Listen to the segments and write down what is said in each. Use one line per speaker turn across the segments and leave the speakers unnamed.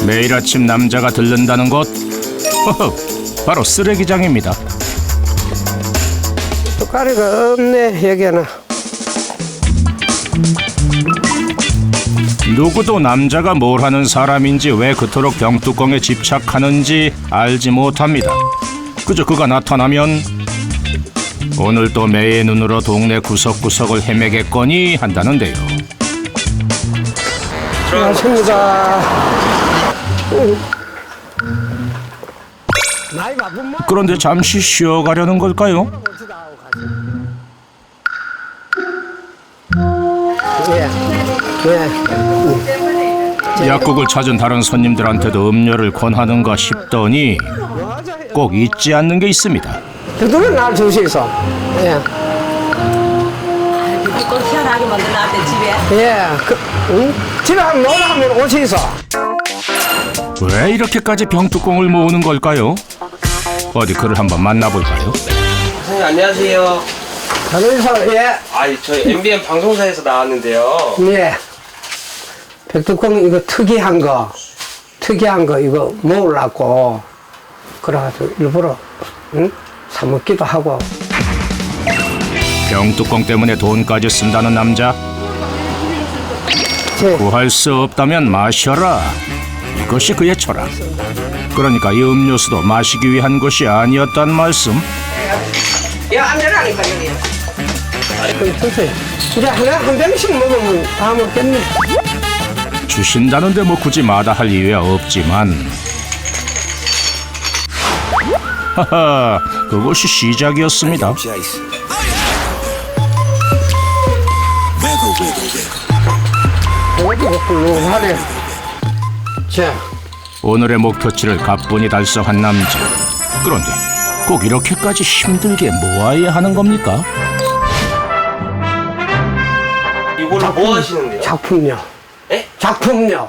매일 아침 남자가 들른다는 곳, 바로 쓰레기장입니다.
뚜까리가 없네 여기는.
누구도 남자가 뭘 하는 사람인지 왜 그토록 병뚜껑에 집착하는지 알지 못합니다. 그저 그가 나타나면 오늘 또 매의 눈으로 동네 구석구석을 헤매겠거니 한다는데요.
고맙습니다. 나이 바쁜 뭐?
그런데 잠시 쉬어가려는 걸까요?
예. 예.
약국을 찾은 다른 손님들한테도 음료를 권하는가 싶더니 꼭 잊지 않는 게 있습니다.
그들은 날 주시소. 예.
꼭 희한하게 만들어놨대 집에.
예. 집에 한번 놀러 하면 오시소.
왜 이렇게까지 병뚜껑을 모으는 걸까요? 어디 그를 한번 만나볼까요?
선생님 안녕하세요.
그래서 예.
저희 MBN 방송사에서 나왔는데요.
예. 백두콩 이거 특이한 거 이거 먹으려고 그래가지고 일부러 사 먹기도 하고.
병뚜껑 때문에 돈까지 쓴다는 남자.
제
구할 수 없다면 마셔라. 이것이 그의 철학. 그러니까 이 음료수도 마시기 위한 것이 아니었단 말씀.
안 되라니까 여기. 주세요. 이제 하나 한 병씩 먹으면 다 먹겠네.
주신다는데 뭐 굳이 마다할 이유야 없지만 하하, 그것이 시작이었습니다.
이것도 훌륭하네. 자,
오늘의 목표치를 가뿐히 달성한 남자. 그런데 꼭 이렇게까지 힘들게 모아야 하는 겁니까?
이걸로 뭐 하시는데요?
작품요.
예?
작품요.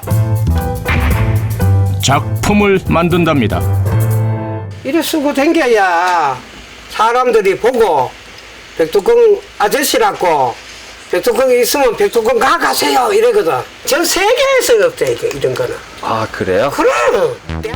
작품을 만든답니다.
이래 쓰고 댕겨야 사람들이 보고 백두콩 아저씨라고 백두콩이 있으면 백두콩 가세요 이러거든. 전 세계에서 없대 이런 거는.
아 그래요?
그럼.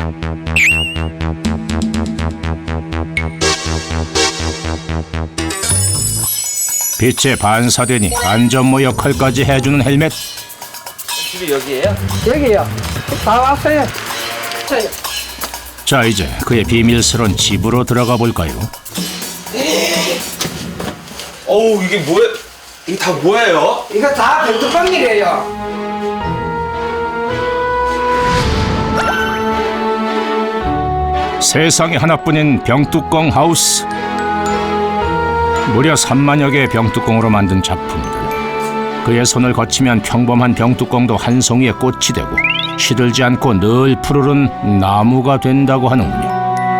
빛에 반사되니 안전모 역할까지 해주는 헬멧.
집이 여기예요?
여기요. 다 왔어요. 자,
자, 이제 그의 비밀스러운 집으로 들어가 볼까요?
어우 이게 뭐야? 이게 다 뭐예요?
이거 다 백두콩이래요.
세상에 하나뿐인 병뚜껑 하우스. 무려 3만여 개의 병뚜껑으로 만든 작품들. 그의 손을 거치면 평범한 병뚜껑도 한 송이의 꽃이 되고 시들지 않고 늘 푸르른 나무가 된다고 하는군요.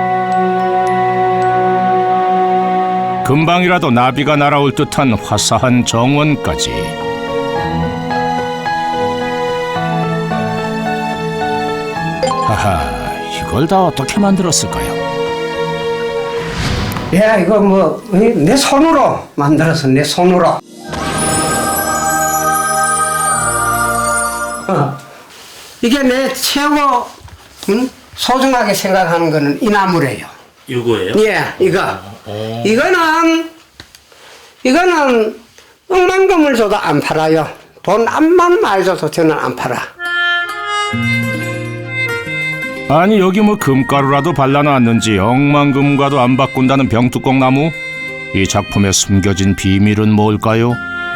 금방이라도 나비가 날아올 듯한 화사한 정원까지. 하하, 이걸 다 어떻게 만들었을까요?
야, 이거 뭐 내 손으로 만들어서 내 손으로. 이게 내 최고 소중하게 생각하는 거는 이 나무래요.
이거예요?
예, 이거. 이거는 억만금을 줘도 안 팔아요. 돈 암만 많이 줘도 저는 안 팔아.
아니 여기 뭐 금가루라도 발라놨는지 억만금과도 안 바꾼다는 병뚜껑 나무? 이 작품에 숨겨진 비밀은 뭘까요?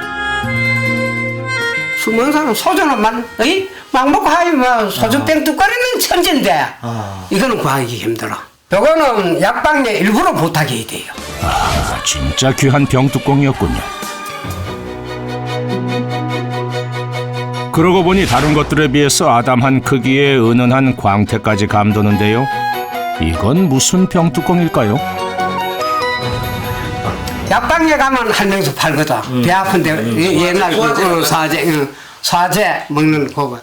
숨은 사람 소주는 막 먹고 하면 소주 뺑뚝거리는 천진데 이거는 구하기 힘들어. 요거는 약방에 일부러 부탁해야 돼요.
아, 진짜 귀한 병뚜껑이었군요. 그러고 보니 다른 것들에 비해서 아담한 크기의 은은한 광택까지 감도는데요. 이건 무슨 병뚜껑일까요?
약방에 가면 할명수 팔거든. 배 아픈데 옛날 사제 먹는 거고.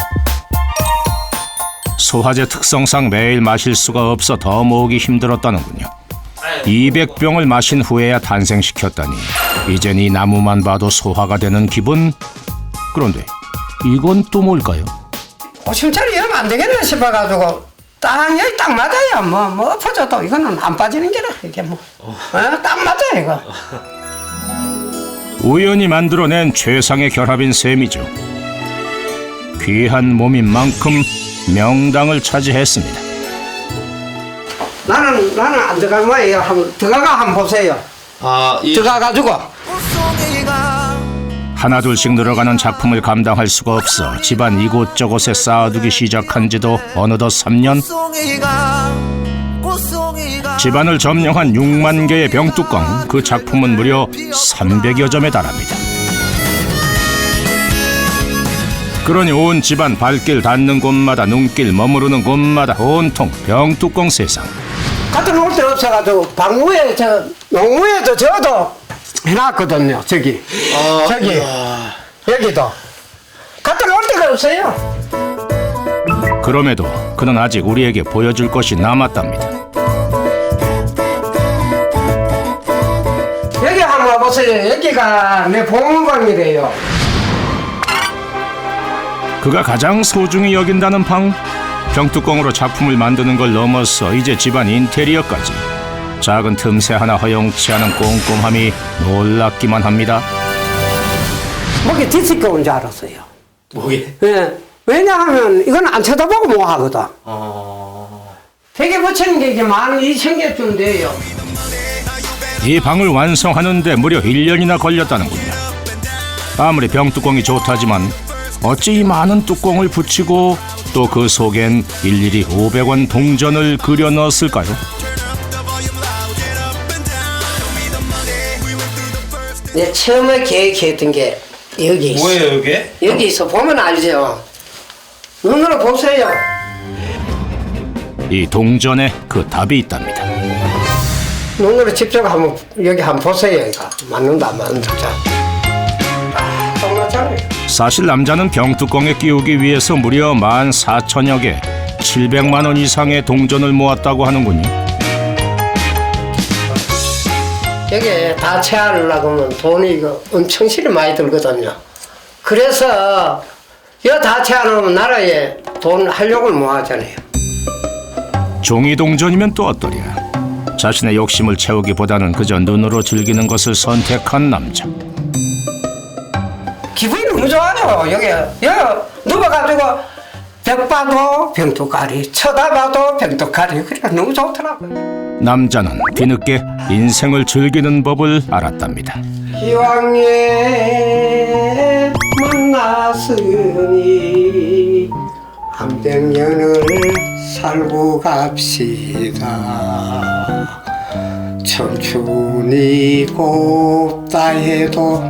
소화제 특성상 매일 마실 수가 없어 더 모으기 힘들었다는군요. 200병을 마신 후에야 탄생시켰다니 이젠 이 나무만 봐도 소화가 되는 기분. 그런데 이건 또 뭘까요?
50짜리 얼마 안 되겠나 싶어가지고 딱 여기 딱 맞아요. 뭐 엎어져도 이거는 안 빠지는 게라 이게 딱 맞아 이거.
우연히 만들어낸 최상의 결합인 셈이죠. 귀한 몸인 만큼 명당을 차지했습니다.
나는 안 들어간 거예요. 한번 들어가 한번 보세요. 들어가가지고
하나둘씩 늘어가는 작품을 감당할 수가 없어 집안 이곳저곳에 쌓아두기 시작한 지도 어느덧 3년. 집안을 점령한 6만 개의 병뚜껑, 그 작품은 무려 300여 점에 달합니다. 그러니 온 집안 발길 닿는 곳마다 눈길 머무르는 곳마다 온통 병뚜껑 세상.
갖다 놓을 데 없어가지고 방구에 농구에도 저도 해놨거든요. 저기 여기도 갖다 놓을 데가 없어요.
그럼에도 그는 아직 우리에게 보여줄 것이 남았답니다.
여기 한번 와보세요. 여기가 내 보문방이래요.
그가 가장 소중히 여긴다는 방. 병뚜껑으로 작품을 만드는 걸 넘어서 이제 집안 인테리어까지. 작은 틈새 하나 허용치 않은 꼼꼼함이 놀랍기만 합니다.
목에 뒤집겨 온 줄 알았어요.
뭐게?
예. 왜냐하면 이건 안 쳐다보고 뭐 하거든. 베개 붙이는 게 이게 12,000개쯤 돼요.
이 방을 완성하는데 무려 1년이나 걸렸다는군요. 아무리 병뚜껑이 좋다지만 어찌 이 많은 뚜껑을 붙이고 또 그 속엔 일일이 500원 동전을 그려 넣었을까요?
내 처음에 계획했던 게 여기 있어.
뭐예요 이게?
여기 있어. 보면 알죠. 눈으로 보세요.
이 동전에 그 답이 있답니다.
눈으로 직접 한번 여기 한번 보세요. 이거 맞는다 안 맞는다. 자, 똑같잖아요.
사실 남자는 병뚜껑에 끼우기 위해서 무려 14,000여 개, 700만 원 이상의 동전을 모았다고 하는군요.
여기 다 채하려고 하면 돈이 이거 엄청 실이 많이 들거든요. 그래서 이거 다 채하려면 나라에 돈 활력을 모아잖아요.
종이 동전이면 또 어떠랴. 자신의 욕심을 채우기보다는 그저 눈으로 즐기는 것을 선택한 남자.
기분이 너무 좋아요. 여기 누워가지고 벽 봐도 병뚜까리, 쳐다봐도 병뚜까리. 그래 너무 좋더라고요.
남자는 뒤늦게 인생을 즐기는 법을 알았답니다.
기왕에 만났으니 한백년을 살고 갑시다. 청춘이 곱다 해도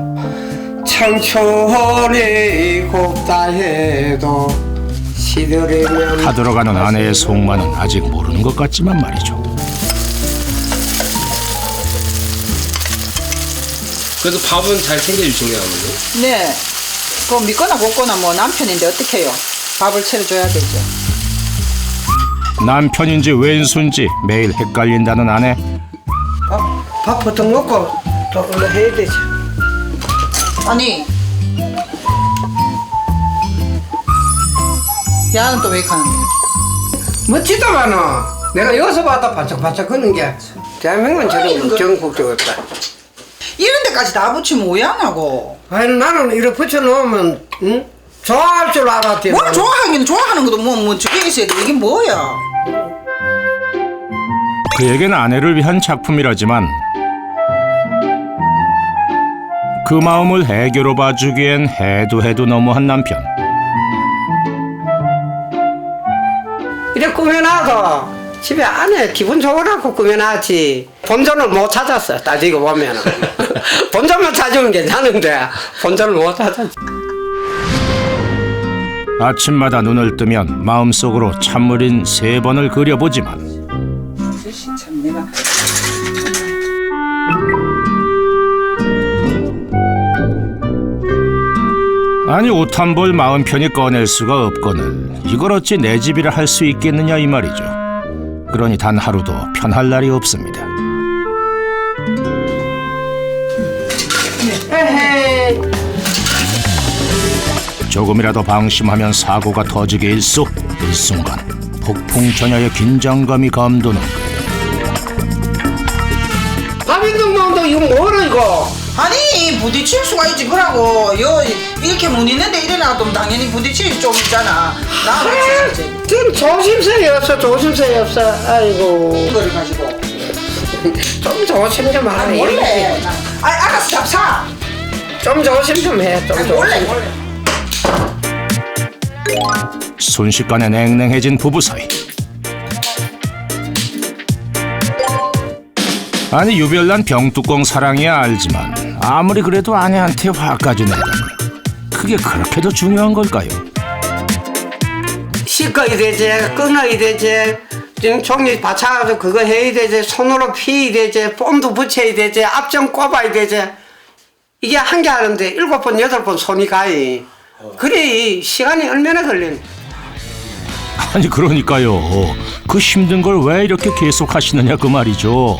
청춘이 곱다 해도 시들으면
타들어가는 아내의 속마는 아직 모르는 것 같지만 말이죠.
그래도 밥은 잘 챙겨주시네요 어머니.
네. 그거 믿거나 먹거나 뭐 남편인데 어떡해요. 밥을 차려줘야 되죠.
남편인지 왼수인지 매일 헷갈린다는 아내.
밥 보통 먹고 또 얼른 해야 되지.
아니. 야는 또 왜 가는데?
멋지다마는 내가 여기서 봐도 반짝반짝 거는 게 대한민국은 저런 전국적이었다.
이런 데까지 다 붙이면 왜 안 하고?
아니 나는 이렇게 붙여놓으면 응? 좋아할 줄 알았지.
뭘 좋아하긴 좋아하는 것도 뭐 저게 있어야 돼. 이게 뭐야?
그에게는 아내를 위한 작품이라지만 그 마음을 애교로 봐주기엔 해도 너무한 남편.
이렇게 꾸며놔도 집에 안에 기분 좋으라고 꾸며놨지 본전을 못 찾았어. 따지고 보면 본전만 찾으면 괜찮은데 본전을 못 찾았지.
아침마다 눈을 뜨면 마음속으로 찬물인 3번을 그려보지만
참 내가
아니 옷 한 벌 마음 편히 꺼낼 수가 없거늘 이걸 어찌 내 집이라 할 수 있겠느냐 이 말이죠. 그러니 단 하루도 편할 날이 없습니다. 조금이라도 방심하면 사고가 터지게 일쑤. 일순간 폭풍전야의 긴장감이 감도는
박인동도 이거 뭐라 이거?
아니 부딪힐 수가 있지. 그러고 이렇게 문 있는데 일어나도 당연히 부딪힐 좀 있잖아. 나 부딪히지.
좀 조심스레 없어 조심스레 없어. 아이고
이거를 가지고.
좀 조심 좀 하래.
몰래. 알았어 잡사.
좀 조심 좀 해. 좀
몰래
조심.
몰래.
순식간에 냉랭해진 부부 사이. 아니 유별난 병뚜껑 사랑이야 알지만 아무리 그래도 아내한테 화까지 내다니 그게 그렇게도 중요한 걸까요?
씻어야 되지, 끊어야 되지, 지금 종이 받쳐가지고 그거 해야 되지, 손으로 피야 되지, 뽐도 붙여야 되지, 앞정 꼽아야 되지. 이게 한 개 하는데 7번, 8번 손이 가이. 그래 이 시간이 얼마나 걸리는.
아니 그러니까요. 그 힘든 걸 왜 이렇게 계속 하시느냐 그 말이죠.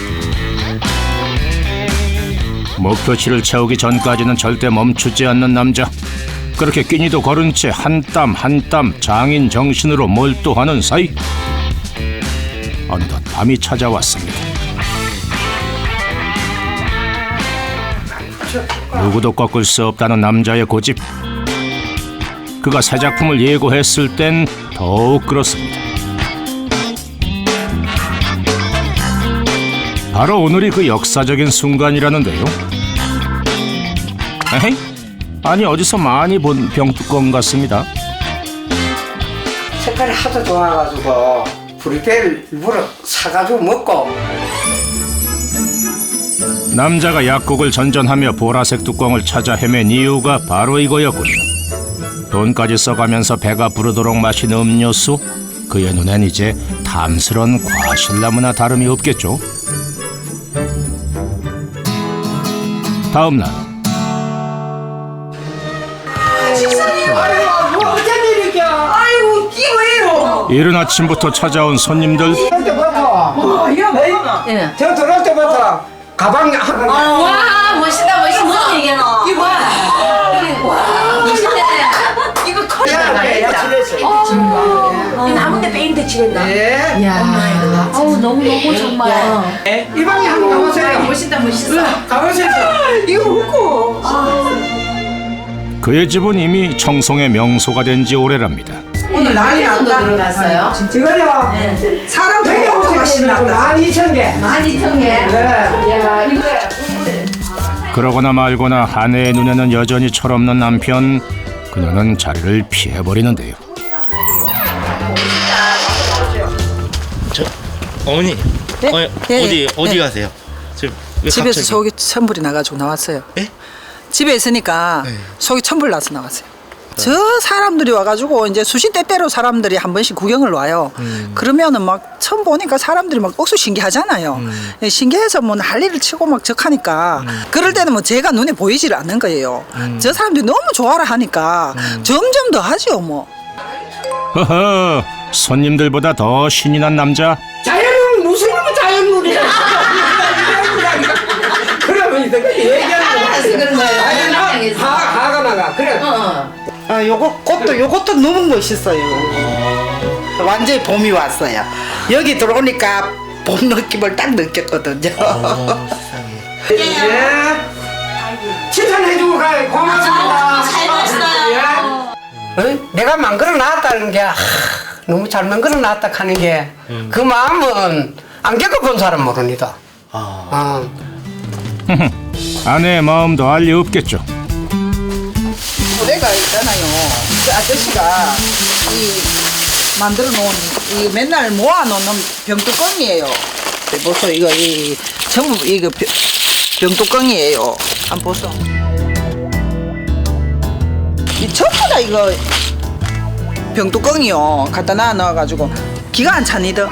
목표치를 채우기 전까지는 절대 멈추지 않는 남자. 그렇게 끼니도 거른 채 한 땀 한 땀 장인 정신으로 몰두하는 사이 어느덧 밤이 찾아왔습니다. 누구도 꺾을 수 없다는 남자의 고집. 그가 새 작품을 예고했을 땐 더욱 그렇습니다. 바로 오늘이 그 역사적인 순간이라는데요. 에헤이? 아니 어디서 많이 본 병뚜껑 같습니다.
색깔이 하도 좋아가지고 브리페를 일부러 사가지고 먹고.
남자가 약국을 전전하며 보라색 뚜껑을 찾아 헤맨 이유가 바로 이거였군요. 돈까지 써가면서 배가 부르도록 마신 음료수. 그의 눈엔 이제 탐스런 과실나무나 다름이 없겠죠. 다음 날
뭐 어쩐 일이겨?
아이고 이게 왜요?
이른 아침부터 찾아온 손님들.
들어올 때부터
예.
저 들어올 때부터 가방 하나.
와 멋있다 멋있어. 무슨 얘기야 너?
이거
와 멋있네.
이거 커.
야,
이 나무인데 페인트 칠했나?
예.
야, 어우 너무 정말.
이 방에 한번 가보세요.
멋있다 멋있어.
가보세요.
이거 먹고.
그의 집은 이미 청송의 명소가 된 지 오래랍니다.
오늘 난리 난다.
들어갔어요.
이거요.
사람 되게 오토가 신났다.
12,000개.
12,000개.
네.
야 이거.
그러거나 말거나 아내의 눈에는 여전히 철없는 남편. 그녀는 자리를 피해버리는데요.
어머니.
네?
어디
네.
가세요? 지금 왜
집에서
갑자기?
속이 천불이 나가지고 나왔어요.
예?
집에 있으니까
네.
속이 천불 나서 나왔어요. 저 사람들이 와가지고 이제 수시 때때로 사람들이 한 번씩 구경을 와요. 그러면은 막 처음 보니까 사람들이 막 억수 신기하잖아요. 신기해서 뭐 난리를 치고 막 적하니까 그럴 때는 뭐 제가 눈에 보이지를 않는 거예요. 저 사람들이 너무 좋아라 하니까 점점 더 하죠 뭐.
허허, 손님들보다 더 신이 난 남자.
자연은 무슨 놈의 자연물이야. 그러면 이거 얘기하는 거.
그런 거예요.
아니, 화가 나가. 그래.
아 요것도 너무 멋있어요. 완전히 봄이 왔어요. 여기 들어오니까 봄 느낌을 딱 느꼈거든요.
예. 칭찬해주고 가요. 고맙습니다.
잘 봤어요.
내가 만들어 놨다는 게 너무 잘 만들어 놨다 하는 게 그 마음은 안 겪어본 사람 모릅니다.
아내의 마음도 알 리 없겠죠.
노래가 있잖아요. 그 아저씨가 이 만들어 놓은 이 맨날 모아 놓는 병뚜껑이에요. 보소 이거 이 전부 이거 병뚜껑이에요. 한번 보소. 이 전부 다 이거 병뚜껑이요. 갖다 넣어가지고 기가 안 차니더.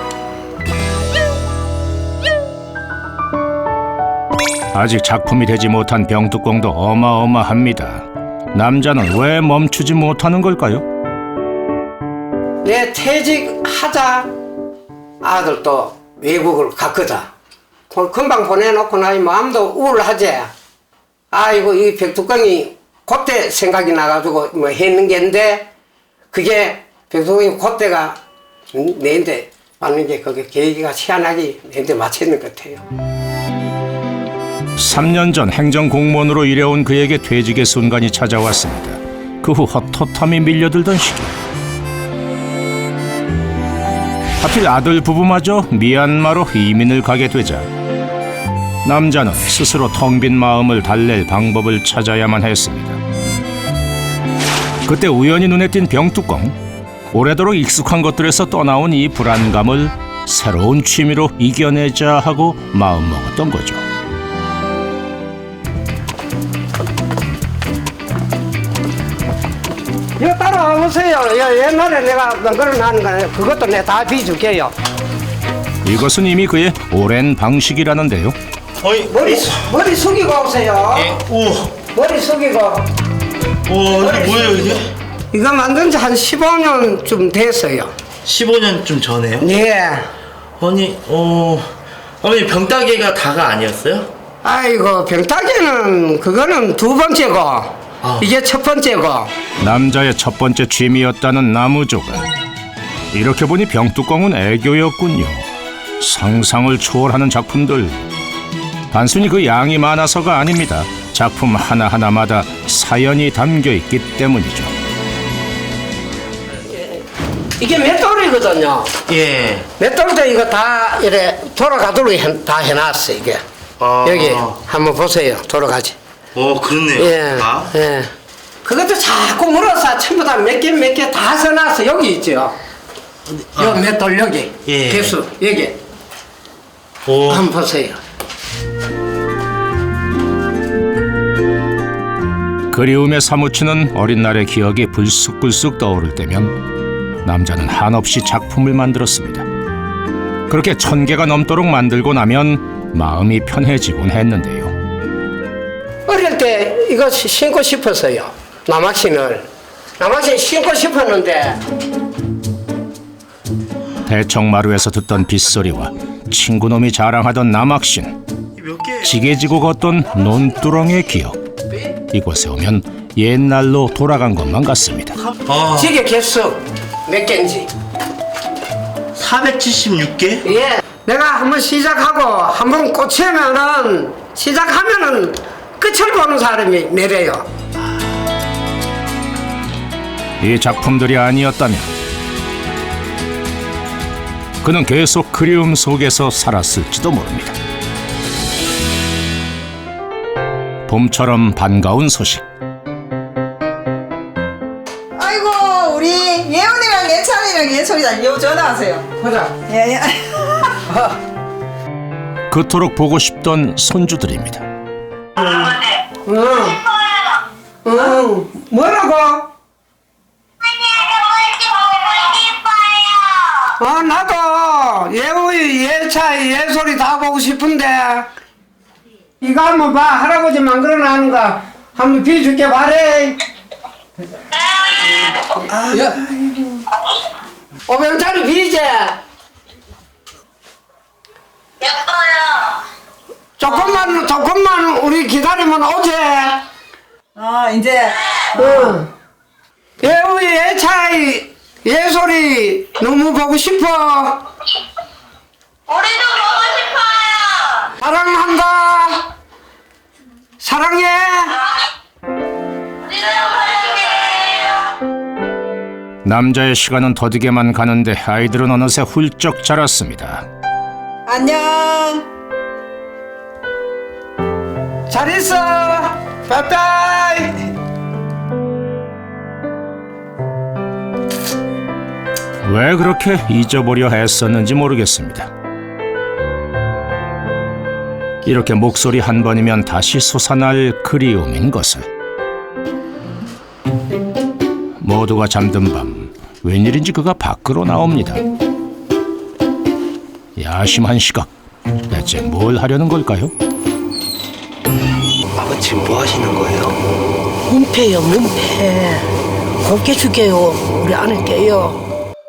아직 작품이 되지 못한 병뚜껑도 어마어마합니다. 남자는 왜 멈추지 못하는 걸까요?
내 퇴직하자 아들도 외국을 갔거든. 금방 보내놓고 나니 마음도 우울하지. 아이고 이 백두강이 그때 생각이 나가지고 뭐 했는 게인데 그게 백성이 그때가 내한테 맞는 게 그게 계기가 희한하게 내한테 맞췄는 것 같아요.
3년 전 행정공무원으로 일해온 그에게 퇴직의 순간이 찾아왔습니다. 그 후 헛헛함이 밀려들던 시기. 하필 아들 부부마저 미얀마로 이민을 가게 되자 남자는 스스로 텅 빈 마음을 달랠 방법을 찾아야만 했습니다. 그때 우연히 눈에 띈 병뚜껑. 오래도록 익숙한 것들에서 떠나온 이 불안감을 새로운 취미로 이겨내자 하고 마음먹었던 거죠.
이거 따라와보세요. 옛날에 내가 만들어놓은 거는 그것도 내가 다 비줄게요.
이것은 이미 그의 오랜 방식이라는데요.
어이,
머리 숙이고 오세요.
오,
머리 숙이고.
이게 뭐예요 이게?
이거 만든 지 한 15년쯤 됐어요.
15년쯤 전에요?
예.
아니, 어머니 병따개가 다가 아니었어요?
아이고, 병따개는 그거는 두 번째고, 이게 첫 번째고.
남자의 첫 번째 취미였다는 나무조각. 이렇게 보니 병뚜껑은 애교였군요. 상상을 초월하는 작품들. 단순히 그 양이 많아서가 아닙니다. 작품 하나하나마다 사연이 담겨있기 때문이죠.
이게 맷돌이거든요.
예.
맷돌도 이거 다 이래 돌아가도록 다 해놨어, 이게. 여기 한번 보세요. 돌아가지.
그렇네요.
예. 예. 그것도 자꾸 물어서 전부 다 몇 개 다 써놨어. 여기 있죠. 요 맷돌 여기.
예.
개수 여기. 한번 보세요.
그리움에 사무치는 어린 날의 기억이 불쑥불쑥 떠오를 때면 남자는 한없이 작품을 만들었습니다. 그렇게 1000개가 넘도록 만들고 나면 마음이 편해지곤 했는데요.
어릴 때 이거 신고 싶었어요. 남학신을. 남학신 신고 싶었는데
대청마루에서 듣던 빗소리와 친구놈이 자랑하던 남학신,
몇 개?
지게지고 걷던 논두렁의 기억. 이곳에 오면 옛날로 돌아간 것만 같습니다.
지게 개수 몇 개인지.
476개?
예. 내가 한번 시작하고 한번 꽂히면은 시작하면은 끝을 보는 사람이 내려요.
이 작품들이 아니었다면 그는 계속 그리움 속에서 살았을지도 모릅니다. 봄처럼 반가운 소식.
아이고 우리 예원이랑 예찬이랑 예솔이랑 요 전화하세요.
보자.
예.
그토록 보고 싶던 손주들입니다.
응. 뭐라고? 나도 예우이, 예차이, 예솔이 다 보고 싶은데 이거 한번 봐. 할아버지 만들어놓은 거 한번 비줄게 말해. 500짜리 비제. 조금만 우리 기다리면 오지.
이제
응. 예우이, 예차이, 예솔이 너무 보고 싶어.
우리도 보고 싶어요.
사랑한다. 사랑해.
우리도 사랑해요.
남자의 시간은 더디게만 가는데 아이들은 어느새 훌쩍 자랐습니다.
안녕.
잘 있어. 빠이빠이.
왜 그렇게 잊어보려 했었는지 모르겠습니다. 이렇게 목소리 한 번이면 다시 솟아날 그리움인 것을. 모두가 잠든 밤 웬일인지 그가 밖으로 나옵니다. 야심한 시각. 대체 뭘 하려는 걸까요?
아버지 뭐 하시는 거예요?
문패요, 문패. 곱게 줄게요. 우리 아내 께요.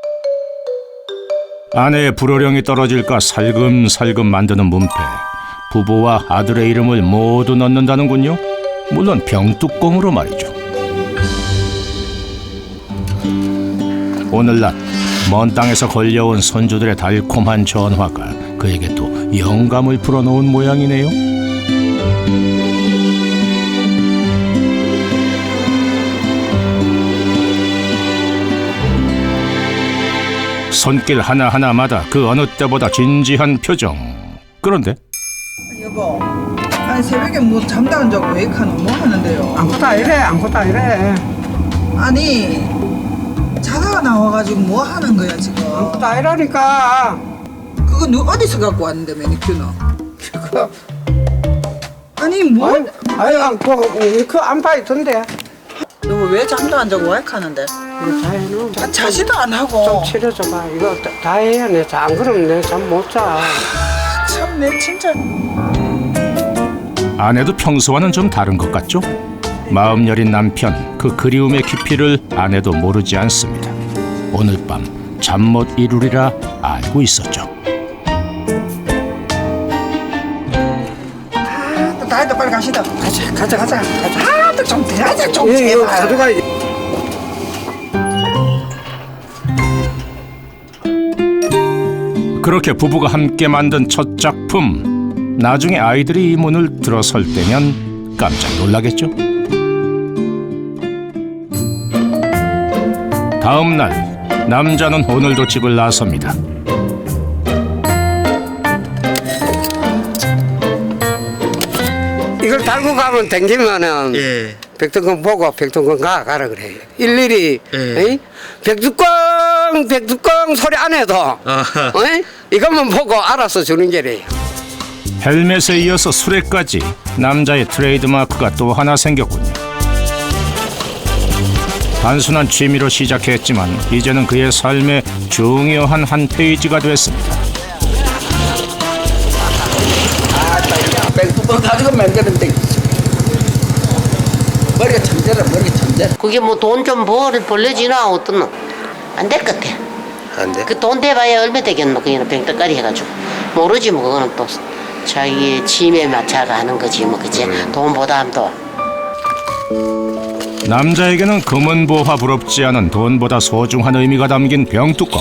아내의 불호령이 떨어질까 살금살금 만드는 문패. 부부와 아들의 이름을 모두 넣는다는군요. 물론 병뚜껑으로 말이죠. 오늘날 먼 땅에서 걸려온 선조들의 달콤한 전화가 그에게 또 영감을 불어넣은 모양이네요. 손길 하나하나마다 그 어느 때보다 진지한 표정. 그런데
여보, 아니 새벽에 뭐 잠도 안 자고 왜 이카노 뭐 하는데요?
아무것도 아니래 아무것도 아니래
아니 자다가 나와가지고 뭐 하는 거야 지금?
아무것도 아니라니까.
그거 누 어디서 갖고 왔는데 매니큐는?
그
아니 뭐?
아유 그 안파 있던데.
여보 왜 잠도 안 자고 왜 하는데?
이거 다 해놓으면
아, 자지도 안 하고.
좀 치료줘봐. 이거 다 해야 내 안 그러면 내 잠 못 자.
참 내 진짜.
아내도 평소와는 좀 다른 것 같죠? 마음 여린 남편, 그 그리움의 깊이를 아내도 모르지 않습니다. 오늘 밤 잠 못 이루리라 알고 있었죠.
나이도 빨리 가시다. 가자. 아, 좀 들어가자 좀
이거
제발.
가져가.
그렇게 부부가 함께 만든 첫 작품. 나중에 아이들이 이 문을 들어설 때면 깜짝 놀라겠죠? 다음 날 남자는 오늘도 집을 나섭니다.
이걸 달고 가면 댕기면은
예.
백두권 보고 백두권 가라 그래. 일일이
예.
백두권 소리 안 해도
아하.
이것만 보고 알아서 주는 게래요.
헬멧에 이어서 수레까지 남자의 트레이드 마크가 또 하나 생겼군요. 단순한 취미로 시작했지만 이제는 그의 삶의 중요한 한 페이지가 됐습니다.
백두번 가지고 만드는데 머리가 천재라 머리가 천재.
그게 뭐 돈 좀 벌려지나 어떻노? 안 될 것 같아.
안 돼?
그 돈 대봐야 얼마 되겠노? 그냥 병떡거리 해가지고 모르지 뭐 그거는 또 자기의 취미에 맞춰가 하는 거지 뭐 그치? 돈보다 또.
남자에게는 금은보화 부럽지 않은 돈보다 소중한 의미가 담긴 병뚜껑.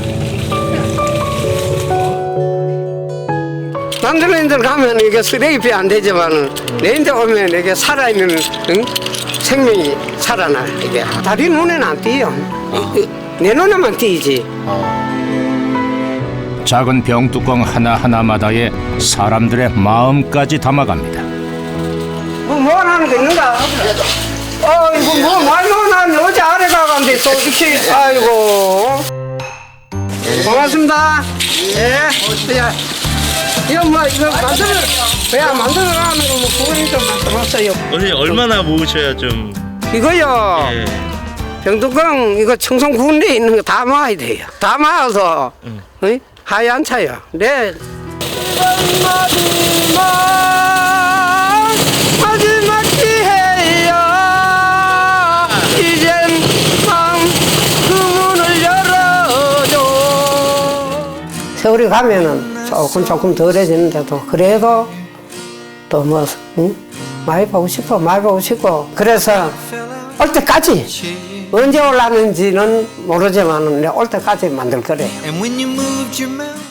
남들인들 가면 이게 쓰레기 안 되지만 내인데 오면 이게 살아있는 생명이 살아나. 이게 다리 눈에는 안 띄요. 내 눈에만 띄지.
작은 병뚜껑 하나하나마다에 사람들의 마음까지 담아갑니다.
뭐 하는 게 있는가? 이거 뭐 말로 난 어제 아래 가간데 또 이렇게 아이고. 고맙습니다. 예. 야, 이거 뭐 이거 만들어가는 거 뭐 그거니 좀 만들었어요.
언니 얼마나 모으셔야 좀.
이거요.
예.
병뚜껑 이거 청송 군대에 있는 거 다 모아야 돼요. 다 모아서 하얀 차요. 네. 마지막 기회야. 이젠 그 문을 열어줘. 세월이 가면은 조금 덜해지는데도 그래도 또 뭐 많이 보고 싶고 그래서 올 때까지 언제 올라는지는 모르지만 올 때까지 만들 거래요.